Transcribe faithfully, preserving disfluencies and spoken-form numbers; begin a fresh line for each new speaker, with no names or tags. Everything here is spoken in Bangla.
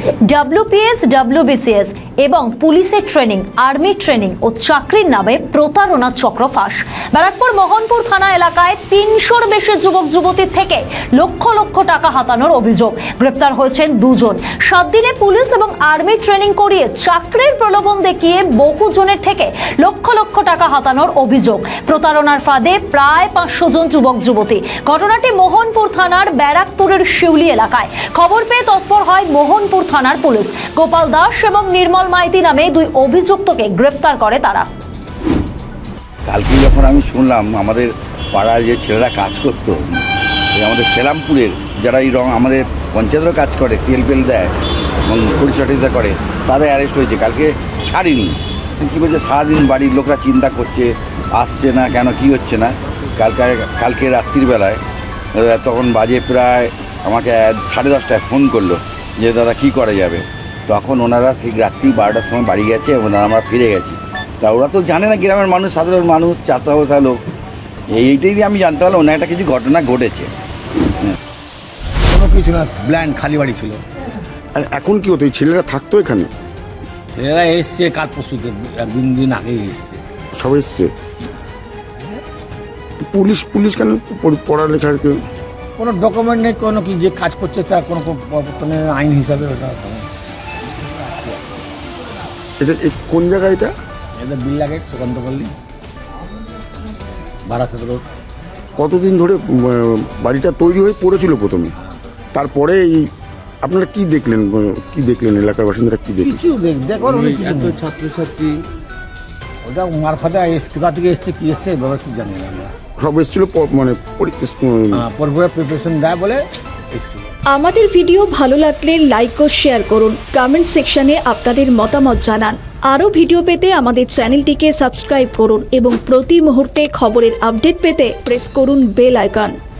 ডাব্লিউপিএস, ডাব্লিউবিসিএস এবং পুলিশের ট্রেনিং, আর্মি ট্রেনিং ও চাকরির নামে প্রতারণার চক্র ফাঁস। ব্যারাকপুর মোহনপুর থানা এলাকায় তিনশোর বেশি যুবক যুবতীর থেকে লক্ষ লক্ষ টাকা হাতানোর অভিযোগ। গ্রেপ্তার হয়েছেন দুজন। সাত দিনে পুলিশ এবং আর্মি ট্রেনিং করিয়ে চাকরির প্রলোভন দেখিয়ে বহু জনের থেকে লক্ষ লক্ষ টাকা হাতানোর অভিযোগ। প্রতারণার ফাঁদে প্রায় পাঁচশো জন যুবক যুবতী। ঘটনাটি মোহনপুর থানার ব্যারাকপুরের শিউলি এলাকায়। খবর পেয়ে তৎপর হয় মোহনপুর থানার পুলিশ। গোপাল দাস এবং নির্মল মাইতি নামে দুই অভিযুক্তকে গ্রেপ্তার করে তারা।
কালকে যখন আমি শুনলাম আমাদের পাড়ায় যে ছেলেরা কাজ করতো, আমাদের সেলামপুরের যারা এই রং আমাদের পঞ্চায়েতেরও কাজ করে, তেল পেল দেয় এবং পরিচর্যা করে, তাদের অ্যারেস্ট হয়েছে। কালকে ছাড়িনি। কী বলছে, সারাদিন বাড়ির লোকরা চিন্তা করছে, আসছে না কেন, কি হচ্ছে না। কালকে কালকে রাত্রির বেলায় তখন বাজে প্রায় আমাকে সাড়ে দশটায় ফোন করলো যে দাদা কী করা যাবে। তখন ওনারা ঠিক রাত্রি বারোটার সময় বাড়ি গেছে এবং আমরা ফিরে গেছি। তা ওরা তো জানে না, গ্রামের মানুষ, সাধারণ মানুষ, চাচা বসা লোক, এইটাই দিয়ে আমি জানতে পারলাম অন্য একটা কিছু ঘটনা ঘটেছে।
কোনো কিছু না, ব্ল্যান্ড খালি বাড়ি ছিল।
আর এখন কি হতো, এই ছেলেরা থাকতো এখানে?
ছেলেরা এসছে কাল পরশুতে, একদিন দিন আগেই এসছে।
সব এসছে। পুলিশ পুলিশ কেন পড়ালেখার কেউ
কোনো ডকুমেন্ট নেই, কোনো কি যে কাজ করছে তার কোনো কোনো আইন হিসাবে ওটা।
এটা কোন জায়গা? এটা
এটা বিল লাগে সুকান্ত পল্লী, বারাসাত রোড।
কতদিন ধরে বাড়িটা তৈরি হয়ে পড়েছিল প্রথমে, তারপরে এই আপনারা কি দেখলেন, কি দেখলেন এলাকার বাসিন্দারা কি দেখলেন?
কিছু দেখ দেখো এত ছাত্রছাত্রী, ওটা মারফাতে কোথা থেকে এসছে, কি এসছে এবার কি জানি না আমরা।
সব এসেছিল মানে
পরপরে প্রিপারেশন দেয় বলে এসেছিল।
আমাদের ভিডিও ভালো লাগলে লাইক ও শেয়ার করুন। কমেন্ট সেকশনে আপনাদের মতামত জানান। আরও ভিডিও পেতে আমাদের চ্যানেলটিকে সাবস্ক্রাইব করুন এবং প্রতি মুহূর্তে খবরের আপডেট পেতে প্রেস করুন বেল আইকন।